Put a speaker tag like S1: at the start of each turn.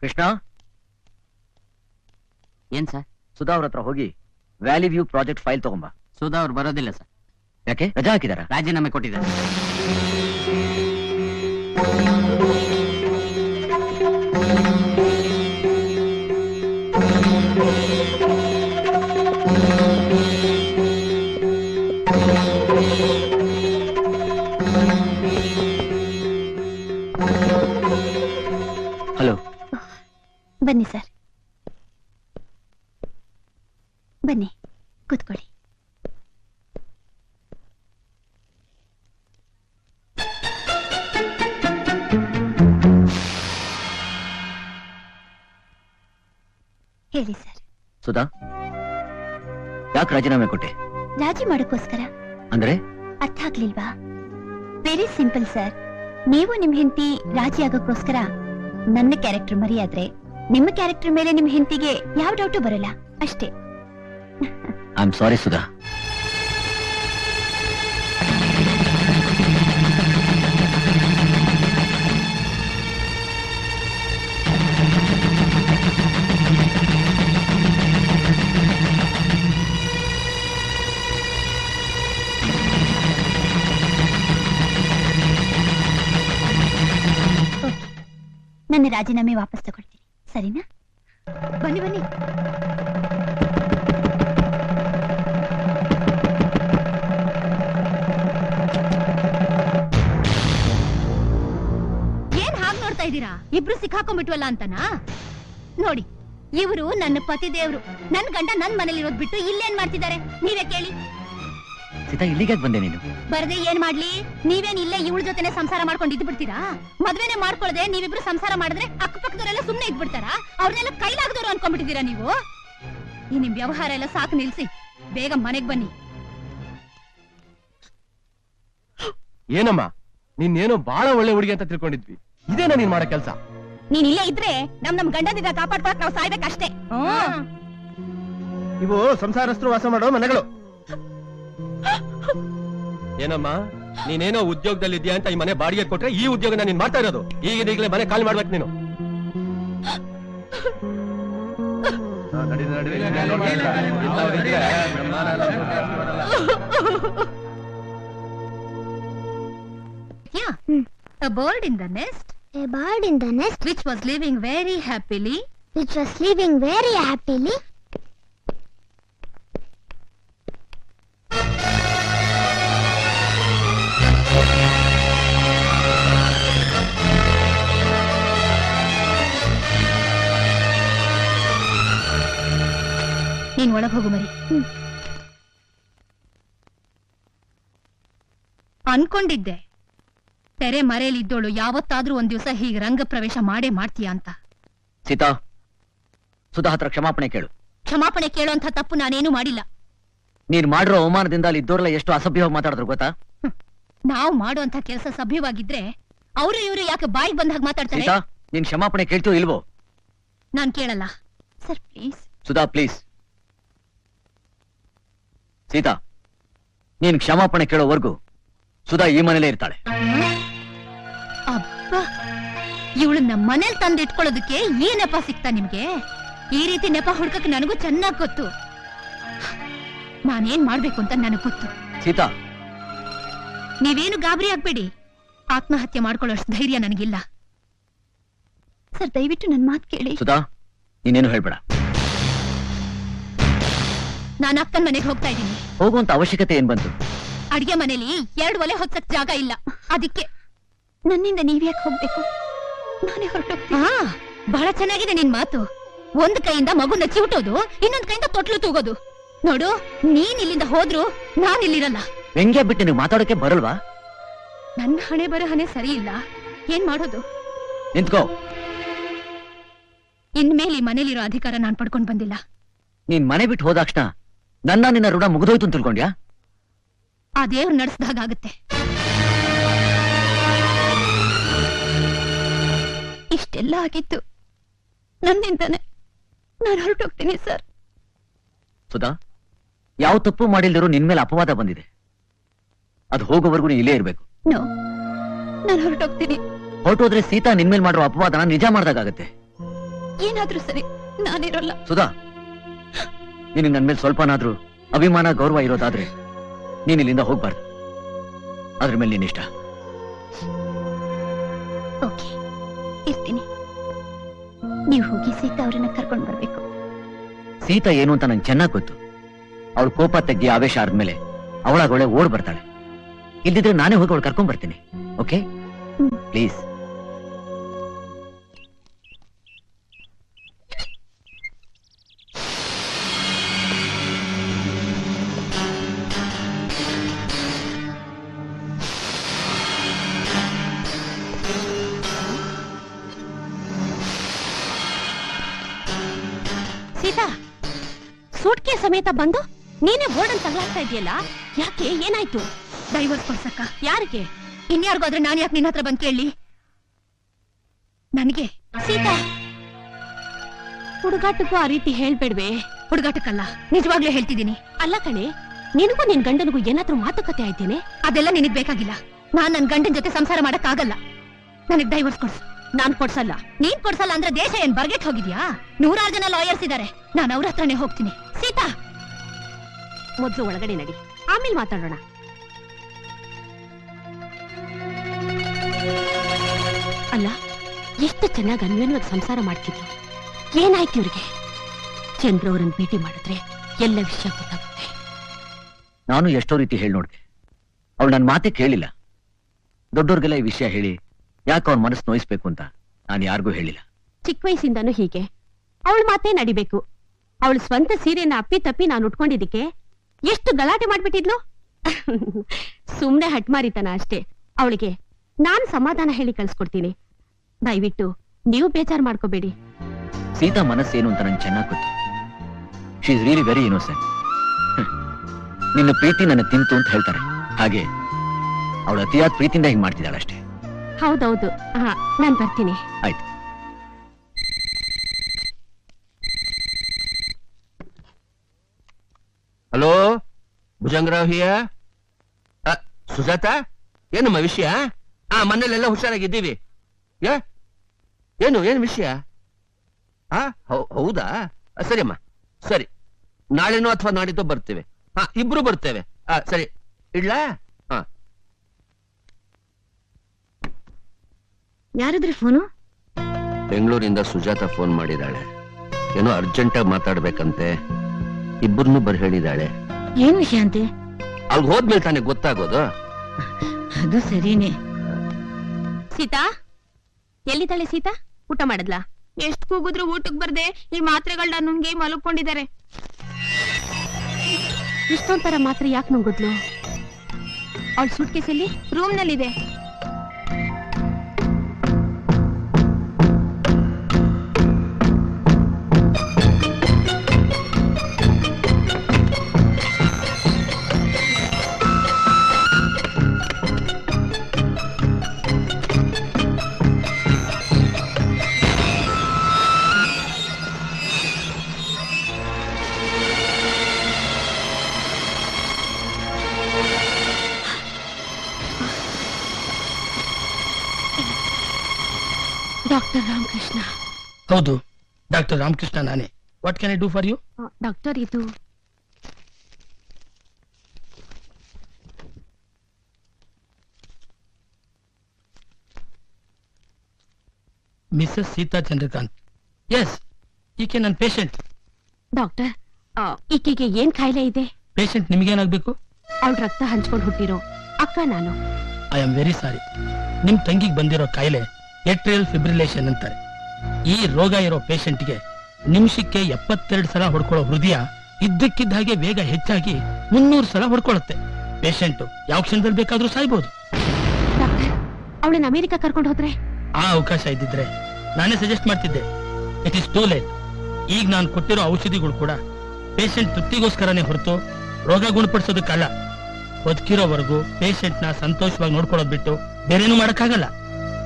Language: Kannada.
S1: ಕೃಷ್ಣ,
S2: ಏನ್ ಸರ್?
S1: ಸುಧಾ ಅವ್ರ ಹತ್ರ ಹೋಗಿ ವ್ಯಾಲಿ ವ್ಯೂ ಪ್ರಾಜೆಕ್ಟ್ ಫೈಲ್ ತಗೊಂಬ.
S2: ಸುಧಾ ಅವ್ರು ಬರೋದಿಲ್ಲ ಸರ್.
S1: ಯಾಕೆ? ರಜಾ ಹಾಕಿದಾರ?
S2: ರಾಜೀನಾಮೆ ಕೊಟ್ಟಿದ್ದಾರೆ.
S1: ಹಲೋ.
S3: ಬನ್ನಿ ಸರ್, ಬನ್ನಿ ಕೂತ್ಕೊಳ್ಳಿ. ಹೇಳಿ ಸರ್.
S1: ಸುಧಾ, ಯಾಕೆ ರಾಜೀನಾಮೆ ಕೊಟ್ಟೆ?
S3: ರಾಜಿ ಮಾಡೋಕ್ಕೋಸ್ಕರ.
S1: ಅಂದ್ರೆ?
S3: ಅರ್ಥ ಆಗ್ಲಿಲ್ವಾ? Very simple sir. ನೀವು ನಿಮ್ ಹೆಂಡತಿ ರಾಜಿ ಆಗೋಕ್ಕೋಸ್ಕರ ನನ್ನ ಕ್ಯಾರೆಕ್ಟರ್ ಮರಿಯಾದ್ರೆ ನಿಮ್ಮ ಕ್ಯಾರೆಕ್ಟರ್ ಮೇಲೆ ನಿಮ್ ಹೆಂಡತಿಗೆ ಯಾವ ಡೌಟು ಬರಲ್ಲ, ಅಷ್ಟೇ.
S1: I am sorry Sudha.
S3: ನನ್ನ ರಾಜೀನಾಮೆ ವಾಪಸ್ ತಗೊಳ್ತೀನಿ, ಸರಿನಾ? ಬನ್ನಿ ಬನ್ನಿ. ಏನ್ ಹಾಗೆ ನೋಡ್ತಾ ಇದ್ದೀರಾ? ಇಬ್ರು ಸಿಕ್ಕಾಕೊಂಡ್ಬಿಟ್ವಲ್ಲ ಅಂತನಾ? ನೋಡಿ, ಇವರು ನನ್ನ ಪತಿ ದೇವ್ರು. ನನ್ ಗಂಡ ನನ್ ಮನೇಲಿ ಇರೋದ್ ಬಿಟ್ಟು ಇಲ್ಲೇನ್ ಮಾಡ್ತಿದ್ದಾರೆ ನೀವೇ ಕೇಳಿ.
S1: ಸೀತಾ, ಇಲ್ಲಿಗೆ ಬಂದೆ ನೀನು?
S3: ಬರದೆ ಏನ್ ಮಾಡ್ಲಿ? ನೀವೇನ್ ಇಲ್ಲೇ ಇವಳ ಜೊತೆನೆ ಸಂಸಾರ ಮಾಡ್ಕೊಂಡು ಇದ್ದು ಬಿಡ್ತೀರಾ? ಮದ್ವೆನೆ ಮಾಡ್ಕೊಳ್ಳದೆ ನೀವಿಬ್ರು ಸಂಸಾರ ಮಾಡಿದ್ರೆ ಅಕ್ಕಪಕ್ಕದವರೆಲ್ಲ ಸುಮ್ನೆ ಇದ್ಬಿಡ್ತಾರ? ಅವ್ರನ್ನೆಲ್ಲ ಕೈಲಾಗದವ್ರು ಅನ್ಕೊಂಡ್ಬಿಟ್ಟಿದ್ದೀರಾ ನೀವು? ಈ ನಿಮ್ ವ್ಯವಹಾರ ಎಲ್ಲ ಸಾಕು, ನಿಲ್ಸಿ. ಬೇಗ ಮನೆಗ್ ಬನ್ನಿ.
S4: ಏನಮ್ಮ, ನೀನೇನೋ ಬಹಳ ಒಳ್ಳೆ ಹುಡುಗಿ ಅಂತ ತಿಳ್ಕೊಂಡಿದ್ವಿ. ಇದೇನಾ ನೀನ್ ಮಾಡೋ ಕೆಲ್ಸ?
S3: ನೀನ್ ಇಲ್ಲೇ ಇದ್ರೆ ನಮ್ ಗಂಡದಿಂದ ಕಾಪಾಡ್ಕೊಳಕ್ ನಾವು ಸಾಯ್ಬೇಕಷ್ಟೇ.
S4: ಇವು ಸಂಸಾರಸ್ಥರು ವಾಸ ಮಾಡೋ ಮನೆಗಳು. ಏನಮ್ಮ, ನೀನೇನೋ ಉದ್ಯೋಗದಲ್ಲಿ ಇದೆಯಾ ಅಂತ ಈ ಮನೆ ಬಾಡಿಗೆ ಕೊಟ್ರೆ ಈ ಉದ್ಯೋಗನ ನೀನ್ ಮಾಡ್ತಾ ಇರೋದು. ಈಗಲೇ ಮನೆ ಖಾಲಿ ಮಾಡ್ಬೇಕು ನೀನು.
S3: A bird in the nest.
S5: A bird in the nest
S3: Which was living very happily.
S5: which was living very happily.
S3: ನೀನ್ ಒಳಗ್ ಹೋಗು ಮರಿ. ಅನ್ಕೊಂಡಿದ್ದೆ ತೆರೆ ಮರೆಯಲ್ಲಿ ಇದ್ದೋಳು ಯಾವತ್ತಾದ್ರೂ ಒಂದ್ ದಿವಸ ಹೀಗೆ ರಂಗ ಪ್ರವೇಶ ಮಾಡೇ ಮಾಡ್ತೀಯ ಅಂತ.
S1: ಸೀತಾ, ಸುಧಾ ಹತ್ರ ಕ್ಷಮಾಪಣೆ ಕೇಳು.
S3: ಕ್ಷಮಾಪಣೆ ಕೇಳುವಂತ ತಪ್ಪು ನಾನೇನು ಮಾಡಿಲ್ಲ.
S1: ನೀನ್ ಮಾಡಿರೋ ಅವಮಾನದಿಂದ ಅಲ್ಲಿ ಇದ್ದೋರೆಲ್ಲ ಎಷ್ಟು ಅಸಭ್ಯವಾಗಿ ಮಾತಾಡಿದ್ರು ಗೊತ್ತಾ?
S3: ನಾವು ಮಾಡುವಂತ ಕೆಲಸ ಸಭ್ಯವಾಗಿದ್ರೆ ಅವರು ಇವರು ಯಾಕೆ ಬಾಯಿಗೆ ಬಂದಾಗ ಮಾತಾಡ್ತಾರೆ?
S1: ಸೀತಾ, ನೀನ್ ಕ್ಷಮಾಪಣೆ ಕೇಳ್ತೀಯೋ ಇಲ್ವೋ?
S3: ನಾನ್ ಕೇಳಲ್ಲ sir, please.
S1: Sudha, please. Sita, ನೀನ್ ಕ್ಷಮಾಪಣೆ ಕೇಳೋವರೆಗೂ ಸುಧಾ ಈ ಮನೇಲೇ ಇರ್ತಾಳೆ.
S3: ಅಬ್ಬಾ, ಇವಳು ನಮ್ಮ ಮನೇಲಿ ತಂದು ಇಟ್ಕೊಳ್ಳೋದಕ್ಕೆ ಈ ನೆಪ ಸಿಗ್ತಾ ನಿಮ್ಗೆ? ಈ ರೀತಿ ನೆಪ ಹುಡ್ಕಕ್ ನನಗೂ ಚೆನ್ನಾಗ್ ಗೊತ್ತು. ನಾನೇನ್ ಮಾಡ್ಬೇಕು ಅಂತ ನನಗ್ ಗೊತ್ತು.
S1: ಸೀತಾ,
S3: ನೀವೇನು ಗಾಬರಿ ಆಗ್ಬೇಡಿ. ಆತ್ಮಹತ್ಯೆ ಮಾಡ್ಕೊಳ್ಳೋಷ್ಟು ಧೈರ್ಯ ನನಗಿಲ್ಲ. ಸರ್, ದಯವಿಟ್ಟು ನನ್ ಮಾತು ಕೇಳಿ.
S1: ಸುಧಾ, ನೀನೇನು ಹೇಳ್ಬೇಡ.
S3: ನಾನು ಅಕ್ಕನ ಮನೆಗೆ ಹೋಗ್ತಾ ಇದ್ದೀನಿ.
S1: ಹೋಗುವಂತ ಅವಶ್ಯಕತೆ ಏನ್ ಬಂತು?
S3: ಅಡಿಗೆ ಮನೇಲಿ 2 ಒಲೆ ಹೊತ್ತಕ್ ಜಾಗ ಇಲ್ಲ, ಅದಕ್ಕೆ. ನನ್ನಿಂದ ನೀವ್ಯಾಕೆ ಹೋಗ್ಬೇಕು? ನಾನೇ ಹೊರಟೋಗ್ತೀನಿ. ಬಹಳ ಚೆನ್ನಾಗಿದೆ ನಿನ್ ಮಾತು. ಒಂದ್ ಕೈಯಿಂದ ಮಗುನ ಚಿವುಟೋದು, ಇನ್ನೊಂದ್ ಕೈಯಿಂದ ತೊಟ್ಲು ತೂಗೋದು. ನೋಡು, ನೀನ್ ಇಲ್ಲಿಂದ ಹೋದ್ರು ನಾನ್ ಇಲ್ಲಿರಲ್ಲ.
S1: ವ್ಯಂಗ್ಯ ಬಿಟ್ಟು ನೀವು ಮಾತಾಡೋಕೆ ಬರಲ್ವಾ?
S3: ನನ್ನ ಹಣೆ ಬರಹನೆ ಸರಿ ಇಲ್ಲ. ಏನ್ ಮಾಡೋದು?
S1: ನಿಂತ್ಕೋ.
S3: ಇನ್ಮೇಲೆ ಈ ಮನೇಲಿರೋ ಅಧಿಕಾರ ನಾನ್ ಪಡ್ಕೊಂಡ್ ಬಂದಿಲ್ಲ.
S1: ನೀನ್ ಮನೆ ಬಿಟ್ಟು ಹೋದಾಕ್ಷಣ ನಿನ್ನ ಋಣ ಮುಗಿದೋಯ್ತು ಅಂತ ತಿಳ್ಕೊಂಡ್ಯಾ?
S3: ಆ ದೇವ್ರು ನಡೆಸ್ದಾಗತ್ತೆ. ಇಷ್ಟೆಲ್ಲ ಆಗಿತ್ತು ನನ್ನಿಂದಾನೆ. ನಾನು ಹೊರಟೋಗ್ತೀನಿ ಸರ್.
S1: ಸುಧಾ, ಯಾವ ತಪ್ಪು ಮಾಡಿಲ್ದಿರೋ ನಿನ್ ಮೇಲೆ ಅಪವಾದ ಬಂದಿದೆ. ಅದು ಹೋಗೋವರೆಗೂ ನೀ ಇಲ್ಲೇ ಇರ್ಬೇಕು.
S3: ನೋ, ನಾನು ಹೊರಟೋಗ್ತೀನಿ.
S1: ಹೊರಟೋದ್ರೆ ಸೀತಾ ನಿನ್ ಮೇಲೆ ಮಾಡಿರೋ ಅಪವಾದನ ನಿಜ ಮಾಡ್ದಾಗತ್ತೆ.
S3: ಏನಾದ್ರೂ ಸರಿ ನಾನಿರೋಲ್ಲ.
S1: ಸುಧಾ, ನಿನಗೆ ನನ್ ಮೇಲೆ ಸ್ವಲ್ಪನಾದ್ರೂ ಅಭಿಮಾನ ಗೌರವ ಇರೋದಾದ್ರೆ ನೀನ್ ಇಲ್ಲಿಂದ ಹೋಗ್ಬಾರ್ದು. ಅದ್ರ ಮೇಲೆ ನಿನ್ ಇಷ್ಟ.
S3: ಓಕೆ, ಇರ್ತೀನಿ. ನೀವು ಹೋಗಿ ಸೀತಾ ಅವ್ರನ್ನ ಕರ್ಕೊಂಡು ಬರ್ಬೇಕು.
S1: ಸೀತಾ ಏನು ಅಂತ ನಂಗೆ ಚೆನ್ನಾಗ್ ಗೊತ್ತು. ಅವಳು ಕೋಪ ತಗ್ಗಿ ಆವೇಶ ಆದ್ಮೇಲೆ ಅವಳಾಗೊಳೆ ಓಡ್ ಬರ್ತಾಳೆ. ಇಲ್ದಿದ್ರೆ ನಾನೇ ಹೋಗಿ ಅವಳು ಕರ್ಕೊಂಡ್ ಬರ್ತೀನಿ. Okay please.
S3: ಸೀತಾ, ಸೂಟ್ಕೆ ಸಮೇತ ಬಂದು ನೀನೇ ಬೋರ್ಡ್ ತಗಲಾಗ್ತಾ ಇದೆಯಲ್ಲ, ಯಾಕೆ? ಏನಾಯ್ತು? ಡೈವರ್ಸ್ ಕೊಡ್ಸಕ್ಕ? ಯಾರಿಗೆ? ಇನ್ಯಾರಿಗಾದ್ರೆ ನಾನು ಯಾಕೆ ನಿನ್ನ ಹತ್ರ ಬಂದ್ ಕೇಳಿ? ನನಗೆ. ಸೀತಾ, ಹುಡುಗಾಟಕ್ಕೂ ಆ ರೀತಿ ಹೇಳ್ಬೇಡ್ವೆ. ಹುಡುಗಾಟಕ್ಕಲ್ಲ, ನಿಜವಾಗ್ಲೂ ಹೇಳ್ತಿದ್ದೀನಿ. ಅಲ್ಲ ಕಣೆ, ನಿನಗೂ ನಿನ್ ಗಂಡನಿಗೂ ಏನಾದ್ರೂ ಮಾತುಕತೆ ಆಯ್ತೇನೆ? ಅದೆಲ್ಲ ನಿನಗ್ ಬೇಕಾಗಿಲ್ಲ. ನಾನ್ ನನ್ ಗಂಡನ್ ಜೊತೆ ಸಂಸಾರ ಮಾಡಕ್ ಆಗಲ್ಲ. ನನಗ್ ಡೈವರ್ಸ್ ಕೊಡ್ಸು. ನಾನ್ ಕೊಡ್ಸಲ್ಲ. ನೀನ್ ಕೊಡ್ಸಲ್ಲ ಅಂದ್ರೆ ದೇಶ ಏನ್ ಬರ್ಗೆಟ್ ಹೋಗಿದ್ಯಾ? 100 ಜನ ಲಾಯರ್ಸ್ ಇದಾರೆ. ನಾನು ಅವ್ರ ಹತ್ರನೇ ಹೋಗ್ತೀನಿ. ಸೀತಾ, ಮೊದ್ಲು ಒಳಗಡೆ ನಡಿ, ಆಮೇಲೆ ಮಾತಾಡೋಣ. ಅಲ್ಲ, ಎಷ್ಟು ಚೆನ್ನಾಗಿ ಅನ್ವೇನ್ವಾಗಿ ಸಂಸಾರ ಮಾಡ್ತಿದ್ರು. ಏನಾಯ್ತು ಇವ್ರಿಗೆ? ಚಂದ್ರ ಅವರನ್ನ ಭೇಟಿ ಮಾಡಿದ್ರೆ ಎಲ್ಲ ವಿಷಯ ಗೊತ್ತಾಗುತ್ತೆ.
S1: ನಾನು ಎಷ್ಟೋ ರೀತಿ ಹೇಳಿ ನೋಡ್ದೆ. ಅವಳು ನನ್ನ ಮಾತೇ ಕೇಳಿಲ್ಲ. ದೊಡ್ಡೋರ್ಗೆಲ್ಲ ಈ ವಿಷಯ ಹೇಳಿ ಯಾಕೆ ಅವ್ರ ಮನಸ್ಸು ನೋಯಿಸ್ಬೇಕು ಅಂತ ನಾನು ಯಾರಿಗೂ ಹೇಳಿಲ್ಲ.
S3: ಚಿಕ್ಕ ವಯಸ್ಸಿಂದಾನು ಹೀಗೆ. ಅವಳ ಮಾತೇ ನಡಿಬೇಕು. ಅವಳು ಸ್ವಂತ ಸೀರೆನ ಅಪ್ಪಿ ತಪ್ಪಿ ನಾನು ಉಟ್ಕೊಂಡಿದ್ದಕ್ಕೆ ಎಷ್ಟು ಗಲಾಟೆ ಮಾಡ್ಬಿಟ್ಟಿದ್ಲು. ಸುಮ್ನೆ ಹಟ್ಮಾರಿತನ ಅಷ್ಟೇ. ಅವಳಿಗೆ ನಾನ್ ಸಮಾಧಾನ ಹೇಳಿ ಕಳ್ಸ್ಕೊಡ್ತೀನಿ. ದಯವಿಟ್ಟು ನೀವು ಬೇಜಾರ್ ಮಾಡ್ಕೋಬೇಡಿ.
S1: ಸೀತಾ ಮನಸ್ಸೇನು ಅಂತ ನಂಗೆ ಚೆನ್ನಾಗಿ ಗೊತ್ತು. She is really very innocent. ನಿನ್ನ ಪ್ರೀತಿ ನನ್ನ ತಿಂತು ಅಂತ ಹೇಳ್ತಾರೆ. ಹಾಗೆ ಅವಳು ಅತಿಯಾದ ಪ್ರೀತಿಯಿಂದ ಹಿಂಗ್ ಮಾಡ್ತಿದ್ದಾಳೆ ಅಷ್ಟೇ.
S3: ಹೌದೌದು. ಹಾ, ನಾನ್ ಬರ್ತೀನಿ.
S1: ಆಯ್ತು.
S4: ಹಲೋ, ಭುಜಂಗರಾವ್ ಹಿಯ. ಸುಜಾತ, ಏನಮ್ಮ ವಿಷಯ? ಮನೇಲೆಲ್ಲ ಹುಷಾರಾಗಿದ್ದೀವಿ. ಏನು ವಿಷಯ? ಹೌದಾ? ಸರಿ ಅಮ್ಮ, ಸರಿ. ನಾಳೆನೋ ಅಥವಾ ನಾಡಿದ್ದೋ ಬರ್ತೇವೆ. ಇಬ್ರು ಬರ್ತೇವೆ. ಸರಿ, ಇಡ್ಲಾ?
S3: ಯಾರದ್ರಿ ಫೋನು?
S4: ಬೆಂಗಳೂರಿಂದ ಸುಜಾತ ಫೋನ್ ಮಾಡಿದಾಳೆ. ಏನೋ ಅರ್ಜೆಂಟಾಗಿ ಮಾತಾಡ್ಬೇಕಂತೆ. ಇಬ್ಬರನ್ನು ಬರ್ ಹೇಳಿದಾಳೆ.
S3: ಏನ್ ವಿಷಯ ಅಂತೆ?
S4: ಅಲ್ಗ್ ಹೋದ್ಮೇಲೆ ತಾನೇ ಗೊತ್ತಾಗೋದು.
S3: ಅದು ಸರಿನೇ. ಸೀತಾ, ಎಲ್ಲಿದ್ದಾಳೆ ಸೀತಾ? ಊಟ ಮಾಡದ್ಲಾ?
S6: ಎಷ್ಟ್ ಕೂಗಿದ್ರು ಊಟಕ್ ಬರ್ದೆ ಈ ಮಾತ್ರೆಗಳನ್ನ ನುಂಗಿ ಮಲ್ಕೊಂಡಿದ್ದಾರೆ.
S3: ಇಷ್ಟೊಂಥರ ಮಾತ್ರ ಯಾಕೆ ನುಂಗಿದ್ಲು? ಅವಳ ಸೂಟ್ ಕೇಸಲ್ಲಿ
S6: ರೂಮ್ ನಲ್ಲಿದೆ.
S3: ಡಾಕ್ಟರ್ ರಾಮಕೃಷ್ಣ.
S7: ಹೌದು, ಡಾಕ್ಟರ್ ರಾಮಕೃಷ್ಣ ನಾನೇ. What can I do for you?
S3: Doctor, ಇದು
S7: ಮಿಸಸ್ ಸೀತಾ ಚಂದ್ರಕಾಂತ್. ಎಸ್, ಈಕೆ ನನ್ನ ಪೇಷಂಟ್.
S3: ಡಾಕ್ಟರ್, ಈಕೆಗೆ ಏನ್ ಕಾಯಿಲೆ ಇದೆ?
S7: ಪೇಷಂಟ್ ನಿಮ್ಗೇನಾಗ್ಬೇಕು?
S3: ಅವಳ ರಕ್ತ ಹಂಚ್ಕೊಂಡು ಹುಟ್ಟಿರೋ ಅಕ್ಕ ನಾನು.
S7: I am very sorry. ನಿಮ್ ತಂಗಿಗೆ ಬಂದಿರೋ ಕಾಯಿಲೆ ಏಟ್ರಿಯಲ್ ಫಿಬ್ರಿಲೇಷನ್ ಅಂತಾರೆ. ಈ ರೋಗ ಇರೋ ಪೇಷಂಟ್ಗೆ ನಿಮಿಷಕ್ಕೆ 72 ಸಲ ಹೊಡ್ಕೊಳ್ಳೋ ಹೃದಯ ಇದ್ದಕ್ಕಿದ್ದ ಹಾಗೆ ವೇಗ ಹೆಚ್ಚಾಗಿ 300 ಸಲ ಹೊಡ್ಕೊಳ್ಳುತ್ತೆ. ಪೇಷಂಟ್ ಯಾವ ಕ್ಷಣದಲ್ಲಿ ಬೇಕಾದ್ರೂ ಸಾಯ್ಬಹುದು.
S3: ಡಾಕ್ಟರ್, ಅವಳನ್ನ ಅಮೆರಿಕ ಕರ್ಕೊಂಡು ಹೋದ್ರೆ?
S7: ಆ ಅವಕಾಶ ಇದ್ದಿದ್ರೆ ನಾನೇ ಸಜೆಸ್ಟ್ ಮಾಡ್ತಿದ್ದೆ. It is too late. ಈಗ ನಾನು ಕೊಟ್ಟಿರೋ ಔಷಧಿಗಳು ಕೂಡ ಪೇಷಂಟ್ ತೃಪ್ತಿಗೋಸ್ಕರನೇ ಹೊರತು ರೋಗ ಗುಣಪಡಿಸೋದಕ್ಕಲ್ಲ. ಬದುಕಿರೋವರೆಗೂ ಪೇಷಂಟ್ ನ ಸಂತೋಷವಾಗಿ ನೋಡ್ಕೊಳ್ಳೋದ್ ಬಿಟ್ಟು ಬೇರೇನು ಮಾಡಕ್ಕಾಗಲ್ಲ.